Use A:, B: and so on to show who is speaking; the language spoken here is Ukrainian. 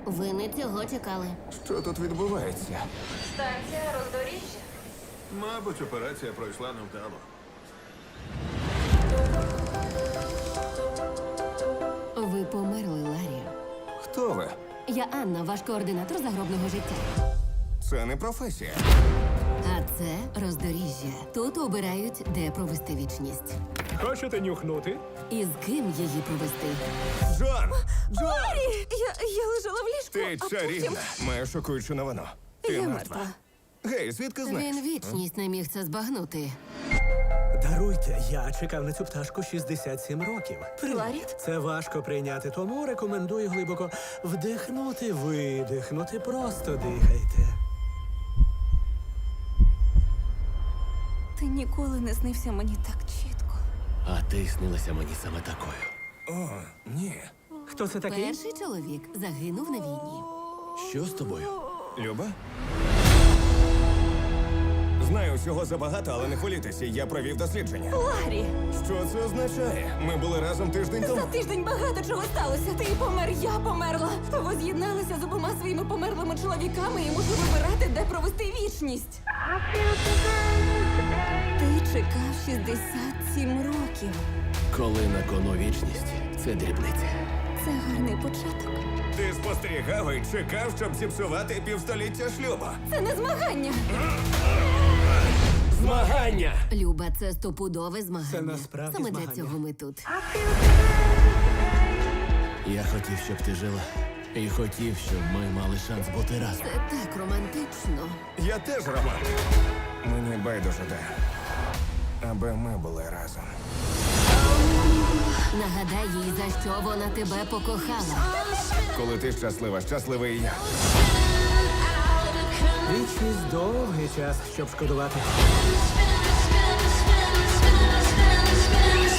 A: Ви не цього чекали.
B: Що тут відбувається?
C: Станція роздоріжжя.
D: Мабуть, операція пройшла невдало.
A: Ви померли, Ларі.
B: Хто ви?
A: Я Анна, ваш координатор загробного життя.
B: Це не професія.
A: А це роздоріжжя. Тут обирають, де провести вічність.
E: Хочете нюхнути?
A: І з ким її провести.
B: Джон! Джон!
C: Я лежала в ліжку,
B: Ти
C: а
B: чарівна. Маю шокуючу новину. Ти
C: Я
B: мертва.
C: мертва.
B: Гей, звідки знаєш?
A: Він вічність не міг це збагнути.
E: Даруйте, я чекав на цю пташку 67 років.
C: Ларі?
E: Це важко прийняти, тому рекомендую глибоко вдихнути, видихнути, просто дихайте.
C: Ти ніколи не снився мені так чітко.
F: А ти снилася мені саме такою.
B: О, ні.
E: Хто це такий?
A: Перший чоловік загинув на війні.
F: Що з тобою?
B: Люба? Знаю всього забагато, але не хвилюйтеся, я провів дослідження.
C: Ларі!
B: Що це означає? Ми були разом тиждень
C: За
B: тому.
C: тиждень багато чого сталося. Ти помер, я померла. Ви з'єдналися з обома своїми померлими чоловіками і мушу вибирати, де провести вічність. Ти чекав 67 років.
F: Коли на кону вічність, це дрібниця.
C: Це гарний початок.
B: Ти спостерігав і чекав, щоб зіпсувати півстоліття шлюбу.
C: Це не змагання.
F: Змагання!
A: Люба, це стопудове змагання.
E: Це насправді
A: Саме
E: змагання.
A: для цього ми тут.
F: Я хотів, щоб ти жила. І хотів, щоб ми мали шанс бути разом.
A: Це так романтично.
B: Я теж романтик. Мені байдуже де. Аби ми були разом.
A: Нагадай їй, за що вона тебе покохала.
B: Коли ти щаслива, щасливий і я.
E: Вічність довгий час, щоб шкодувати.